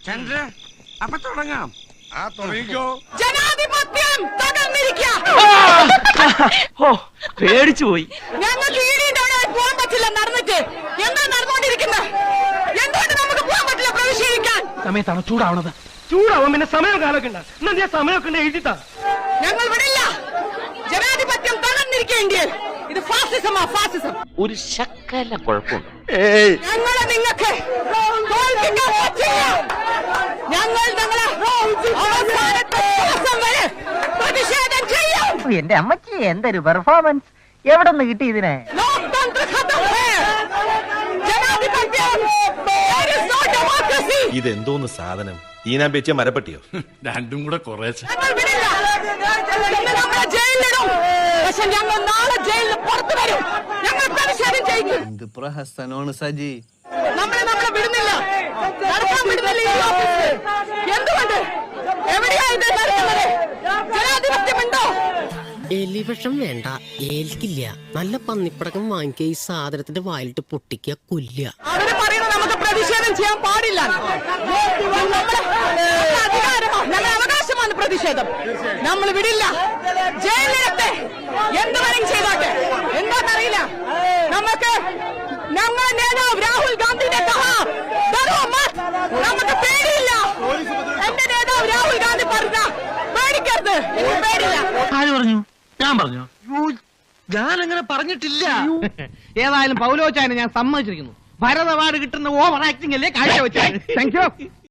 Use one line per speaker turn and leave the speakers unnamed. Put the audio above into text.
ചന്ദ്ര അപ്പൊ തുടങ്ങാം.
ആ തുടങ്ങിക്കോ.
ജനാധിപത്യം
പേടിച്ചു പോയി.
ഞങ്ങൾക്ക് പോകാൻ പറ്റില്ല. നടന്നിട്ട് എന്താ നടന്നുകൊണ്ടിരിക്കുന്നത്? എന്തുകൊണ്ട് നമുക്ക് പോകാൻ പറ്റില്ല പ്രവേശിക്കാൻ?
സമയത്താണ് ചൂടാവണത്. ചൂടാവും പിന്നെ സമയമൊക്കെ ഉണ്ട്. എന്നാ സമയമൊക്കെ ഉണ്ട് എഴുതിട്ടാ. ഞങ്ങൾ വിടില്ല.
ജനാധിപത്യം തകർന്നിരിക്കേണ്ടി. ഇത് ഫാസിസമാ, ഫാസിസം.
ഒരു ശക്കല കുഴപ്പമുണ്ട്.
ഞങ്ങളെ നിങ്ങൾക്ക് തോൽപ്പിക്കാൻ പറ്റില്ല. ഞങ്ങൾ ഞങ്ങളെ അവസാനത്തെ ദിവസം വരെ പ്രതിഷേധം ചെയ്യും.
എന്റെ അമ്മച്ചി എന്തൊരു പെർഫോമൻസ്! എവിടെ നിന്ന് കിട്ടി ഇതിനെ?
ഇതെന്തോന്ന് സാധനം? ഈനാൻ വെച്ച മരപ്പട്ടിയോ?
രണ്ടും കൂടെ കുറേശ്ശെ.
പക്ഷെ ഞങ്ങൾ നാളെ ജയിലിൽ പുറത്തു വരും. ഞങ്ങൾ പ്രതിഷേധം ചെയ്യും.
എന്ത് പ്രഹസനമാണ് സജി.
നമ്മളെ വിടുന്നില്ല, നടക്കാൻ വിടുന്നില്ല ഈ ഓഫീസിൽ. എന്തുകൊണ്ട്? എവിടെയാ ഇത് നടക്കുന്നത്? ജനാധിപത്യമുണ്ടോ?
എലിവിഷം വേണ്ട, ഏൽക്കില്ല. നല്ല പന്നിപ്പടക്കം വാങ്ങിക്കുക, ഈ സാധനത്തിന്റെ വായിലിട്ട് പൊട്ടിക്കുക, കൊല്ലുക.
അവര് പറയുന്നത് നമുക്ക് പ്രതിഷേധം ചെയ്യാൻ പാടില്ല. അധികാരമാണ്, ഞങ്ങളുടെ അവകാശമാണ് പ്രതിഷേധം. നമ്മൾ വിടില്ല. ജയിലിലത്തെ എന്തുവരെയും ചെയ്തോട്ടെ. എന്താണെന്നറിയില്ല. നമുക്ക് ഞങ്ങളുടെ നേതാവ് രാഹുൽ ഗാന്ധിനെ നമുക്ക് പേടിയില്ല. എന്റെ നേതാവ് രാഹുൽ ഗാന്ധി പറഞ്ഞ പേടിക്കരുത്, എനിക്ക് പേടില്ല.
ആര് പറഞ്ഞു? ഞാൻ പറഞ്ഞു? ഞാൻ അങ്ങനെ പറഞ്ഞിട്ടില്ല. ഏതായാലും പൗലോച്ചായനെ ഞാൻ സമ്മതിച്ചിരിക്കുന്നു. ഭരത് അവാർഡ് കിട്ടുന്ന ഓവർ ആക്ടിംഗ് അല്ലേ കാഴ്ച വെച്ചത്. Thank U.